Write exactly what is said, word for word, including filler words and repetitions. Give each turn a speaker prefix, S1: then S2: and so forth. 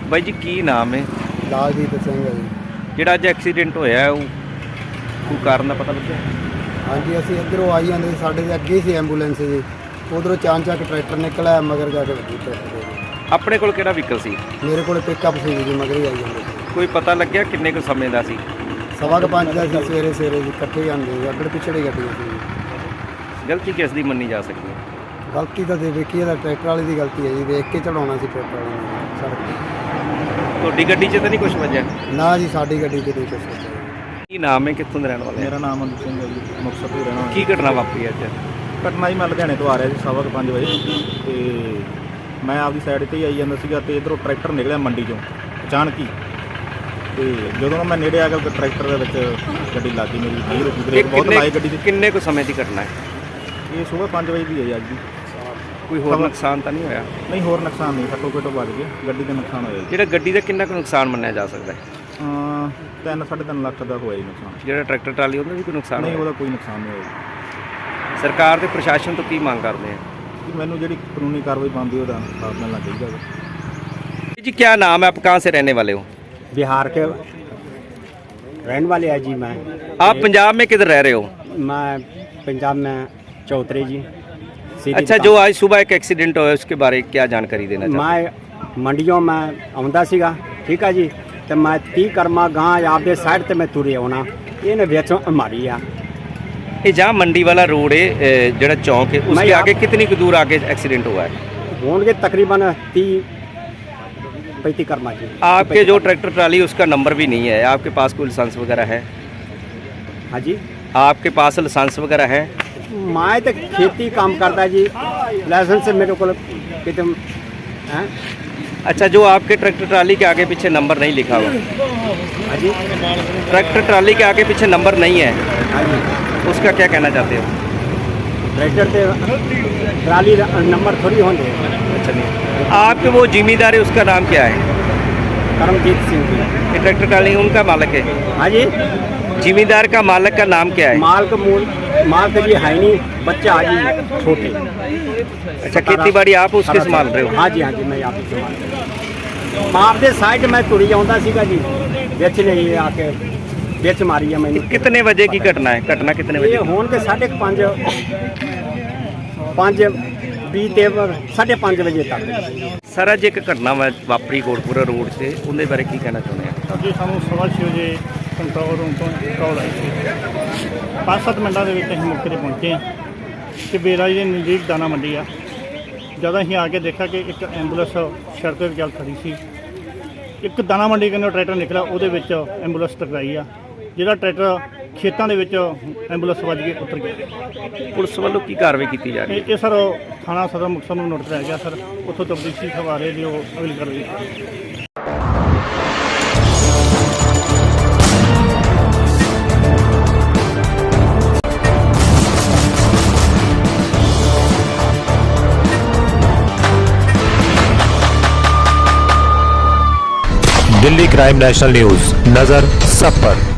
S1: ਬਾਈ ਜੀ ਕੀ ਨਾਮ ਹੈ?
S2: ਲਾਲਜੀਤ ਸਿੰਘ ਹੈ ਜੀ।
S1: ਜਿਹੜਾ ਅੱਜ ਐਕਸੀਡੈਂਟ ਹੋਇਆ ਉਹ ਕੋਈ ਕਾਰਨ ਦਾ ਪਤਾ ਲੱਗਿਆ?
S2: ਹਾਂਜੀ, ਅਸੀਂ ਇੱਧਰੋਂ ਆਈ ਜਾਂਦੇ ਸੀ, ਸਾਡੇ ਦੇ ਅੱਗੇ ਸੀ ਐਂਬੂਲੈਂਸ ਜੀ, ਉਧਰੋਂ ਚਾਂਚਕ ਟਰੈਕਟਰ ਨਿਕਲਿਆ, ਮਗਰ ਜਾ ਕੇ ਵੱਜੀ ਟਰੈਕਟਰ ਦੇ।
S1: ਆਪਣੇ ਕੋਲ ਕਿਹੜਾ ਵਹੀਕਲ ਸੀ?
S2: ਮੇਰੇ ਕੋਲ ਪਿਕਅਪ ਸੀ ਜੀ, ਮਗਰ ਹੀ ਆਈ ਜਾਂਦੇ ਸੀ।
S1: ਕੋਈ ਪਤਾ ਲੱਗਿਆ ਕਿੰਨੇ ਕੁ ਸਮੇਂ ਦਾ ਸੀ?
S2: ਸਵਾ ਕੁ ਪੰਜ ਦਾ ਸੀ, ਸਵੇਰੇ ਸਵੇਰੇ ਜੀ, ਇਕੱਠੇ ਜਾਂਦੇ ਸੀ, ਅੱਗੜ ਪਿਛੜੇ ਗੱਡੀਆਂ ਸੀ।
S1: ਗਲਤੀ ਕਿਸ ਦੀ ਮੰਨੀ ਜਾ ਸਕਦੀ ਹੈ?
S2: ਗਲਤੀ ਤਾਂ ਦੇ ਵੇਖੀ ਇਹਦਾ ਟਰੈਕਟਰ ਵਾਲੇ ਦੀ ਗਲਤੀ ਹੈ ਜੀ, ਵੇਖ ਕੇ ਚੜਾਉਣਾ ਸੀ ਟਰੈਕਟਰ ਵਾਲੇ ਨੇ ਸੜਕ ਤੇ।
S1: ਤੁਹਾਡੀ ਗੱਡੀ 'ਚ ਤਾਂ ਨਹੀਂ ਕੁਝ ਵੱਜਿਆ?
S2: ਨਾ ਜੀ, ਸਾਡੀ ਗੱਡੀ 'ਚ ਨਹੀਂ ਕੁਛ ਹੋਇਆ।
S1: ਕੀ ਨਾਮ ਹੈ, ਕਿੱਥੋਂ ਦੇ ਰਹਿਣ ਵਾਲੇ?
S3: ਮੇਰਾ ਨਾਮ ਅਨੁਜ ਸਿੰਘ ਹੈ ਜੀ, ਮੁਕਤਸਰ ਤੋਂ ਰਹਿਣਾ।
S1: ਕੀ ਘਟਨਾ ਵਾਪਰੀ ਅੱਜ?
S3: ਘਟਨਾ ਜੀ, ਮੈਂ ਲੁਧਿਆਣੇ ਤੋਂ ਆ ਰਿਹਾ ਸੀ ਸਵਾ ਕੁ ਪੰਜ ਵਜੇ, ਤੇ ਮੈਂ ਆਪਦੀ ਸਾਈਡ 'ਤੇ ਹੀ ਆਈ ਜਾਂਦਾ ਸੀਗਾ, ਤੇ ਇੱਧਰੋਂ ਟਰੈਕਟਰ ਨਿਕਲਿਆ ਮੰਡੀ 'ਚੋਂ ਅਚਾਨਕ ਹੀ, ਤੇ ਜਦੋਂ ਮੈਂ ਨੇੜੇ ਆ ਗਿਆ ਟਰੈਕਟਰ ਦੇ ਵਿੱਚ ਗੱਡੀ ਲੱਗ ਗਈ ਮੇਰੀ। ਨਹੀਂ ਰੁਕੀ, ਬ੍ਰੇਕ ਬਹੁਤ ਲਾਏ ਗੱਡੀ ਦੀ।
S1: ਕਿੰਨੇ ਕੁ ਸਮੇਂ ਦੀ ਘਟਨਾ ਹੈ?
S3: ਇਹ ਸੁਬਾਹ ਪੰਜ ਵਜੇ ਦੀ ਹੈ ਜੀ ਅੱਜ ਦੀ।
S1: ਕੋਈ ਹੋਰ ਨੁਕਸਾਨ ਤਾਂ ਨਹੀਂ ਹੋਇਆ?
S3: ਨਹੀਂ, ਹੋਰ ਨੁਕਸਾਨ ਨਹੀਂ, ਘੱਟੋ ਘੱਟ ਵੱਜ ਗਏ, ਗੱਡੀ ਦਾ ਨੁਕਸਾਨ ਹੋਇਆ ਜੀ।
S1: ਜਿਹੜਾ ਗੱਡੀ ਦਾ ਕਿੰਨਾ ਕੁ ਨੁਕਸਾਨ ਮੰਨਿਆ ਜਾ ਸਕਦਾ ਹੈ?
S3: ਹਾਂ, ਤਿੰਨ ਸਾਢੇ ਤਿੰਨ ਲੱਖ ਦਾ ਹੋਇਆ ਜੀ ਨੁਕਸਾਨ।
S1: ਜਿਹੜਾ ਟਰੈਕਟਰ ਟਰਾਲੀ ਉਹਦਾ ਵੀ ਕੋਈ ਨੁਕਸਾਨ
S3: ਨਹੀਂ,
S1: ਹੋਇਆ?
S3: ਉਹਦਾ ਕੋਈ ਨੁਕਸਾਨ ਨਹੀਂ ਹੋਇਆ ਜੀ।
S1: ਸਰਕਾਰ ਤੇ ਪ੍ਰਸ਼ਾਸਨ ਤੋਂ ਕੀ ਮੰਗ ਕਰਦੇ ਆ?
S3: ਕਿ ਮੈਨੂੰ ਜਿਹੜੀ ਕਾਨੂੰਨੀ ਕਾਰਵਾਈ ਬਣਦੀ ਉਹਦਾ ਸਾਥ ਮਿਲਣਾ ਚਾਹੀਦਾ ਹੈ।
S1: जी क्या नाम है, आप कहाँ से रहने वाले हो?
S4: बिहार के रहने वाले हैं जी। मैं
S1: आप पंजाब में किधर रह रहे हो?
S4: मैं पंजाब में चौधरी जी।
S1: अच्छा, जो आज सुबह एक एक्सीडेंट हुआ उसके बारे में क्या जानकारी देना चाहते
S4: मैं मंडियों में आਉਂਦਾ ਸੀਗਾ, ठीक है जी, तो मैं ती कर्मा गां आपके साइड ਤੇ मैं तुरे आना, ਇਹਨੇ ਵਿੱਚੋਂ मारी आ।
S1: ये जहाँ मंडी वाला रोड है, जड़ा चौक है, उसके आगे कितनी की दूर आगे एक्सीडेंट हुआ है?
S4: होंगे तकरीबन तीस पैंतीस कर्मा जी।
S1: आपके जो ट्रैक्टर ट्राली उसका नंबर भी नहीं है, आपके पास कोई लाइसेंस वगैरह है?
S4: हाँ जी,
S1: आपके पास लाइसेंस वगैरह है?
S4: मैं तो खेती काम करता जी, लाइसेंस मेरे को कितने हैं।
S1: अच्छा, जो आपके ट्रैक्टर ट्राली के आगे पीछे नंबर नहीं लिखा हुआ?
S4: हाँ जी,
S1: ट्रैक्टर ट्राली के आगे पीछे नंबर नहीं है,
S4: हाँ जी,
S1: उसका क्या कहना चाहते हो?
S4: ट्रैक्टर से ट्राली नंबर थोड़ी होंगे।
S1: अच्छा, नहीं, आपके वो जिम्मेदार है उसका नाम क्या है?
S4: करमजीत सिंह जी।
S1: ये ट्रैक्टर ट्राली उनका मालिक है?
S4: हाँ जी,
S1: जिम्मेदार का मालिक का नाम क्या है?
S4: माल का मूल माल का जी है नहीं, बच्चा आ जी छोटे।
S1: अच्छा, खेती बाड़ी आप उसके संभाल रहे हो?
S4: हाँ जी, हाँ जी, मैं आप संभाल रहा हूँ। आपके साइड में तुरी आਉਂਦਾ ਸੀਗਾ जी, ਵਿੱਚ नहीं आके ਵਿੱਚ मारी है मैंने।
S1: कितने बजे की घटना है? घटना कितने बजे?
S4: ये होन के साढ़े पाँच पाँच बीस ਤੇ साढ़े पाँच ਵਜੇ तक।
S1: ਸਰ ਅੱਜ ਇੱਕ ਘਟਨਾ ਵਾ- ਵਾਪਰੀ ਕੋਟਪੁਰਾ ਰੋਡ ਤੇ, ਉਹਦੇ ਬਾਰੇ ਕੀ ਕਹਿਣਾ ਚਾਹੁੰਦੇ ਆ?
S5: ਜੀ, ਸਾਨੂੰ ਸਵਾ ਛੇ ਵਜੇ ਕੰਟਰੋਲ ਰੂਮ ਤੋਂ ਕਾਲ ਆਈ ਸੀ। ਪੰਜ ਸੱਤ ਮਿੰਟਾਂ ਦੇ ਵਿੱਚ ਅਸੀਂ ਮੌਕੇ 'ਤੇ ਪਹੁੰਚੇ ਹਾਂ ਕਿ ਬੇਰਾ ਜੀ ਦੇ ਨਜ਼ਦੀਕ ਦਾਣਾ ਮੰਡੀ ਆ। ਜਦੋਂ ਅਸੀਂ ਆ ਕੇ ਦੇਖਿਆ ਕਿ ਇੱਕ ਐਂਬੂਲੈਂਸ ਸੜਕ ਦੇ ਗੱਲ ਖੜੀ ਸੀ, ਇੱਕ ਦਾਣਾ ਮੰਡੀ ਕੰਨੋਂ ਟਰੈਕਟਰ ਨਿਕਲਿਆ, ਉਹਦੇ ਵਿੱਚ ਐਂਬੂਲੈਂਸ ਟਕਰਾਈ ਆ। ਜਿਹੜਾ ਟਰੈਕਟਰ ਖੇਤਾਂ ਦੇ ਵਿੱਚ ਐਂਬੂਲੈਂਸ ਵੱਜ ਕੇ ਉਤਰ ਗਿਆ।
S1: ਪੁਲਿਸ ਵੱਲੋਂ ਕੀ ਕਾਰਵਾਈ ਕੀਤੀ ਜਾ ਰਹੀ ਹੈ?
S5: ਇਹ ਇਹ ਸਰ ਥਾਣਾ ਸਦਰ ਮੁਕਤਸਰ ਨੂੰ ਨੋਟਿਸ ਰਹਿ ਗਿਆ ਸਰ, ਉੱਥੋਂ ਤਬਦੀਲੀ ਖਵਾਰੇ ਜੋ ਅਗਲੀ ਕਾਰਵਾਈ ਕੀਤੀ।
S6: दिल्ली क्राइम नेशनल न्यूज, नजर सब पर।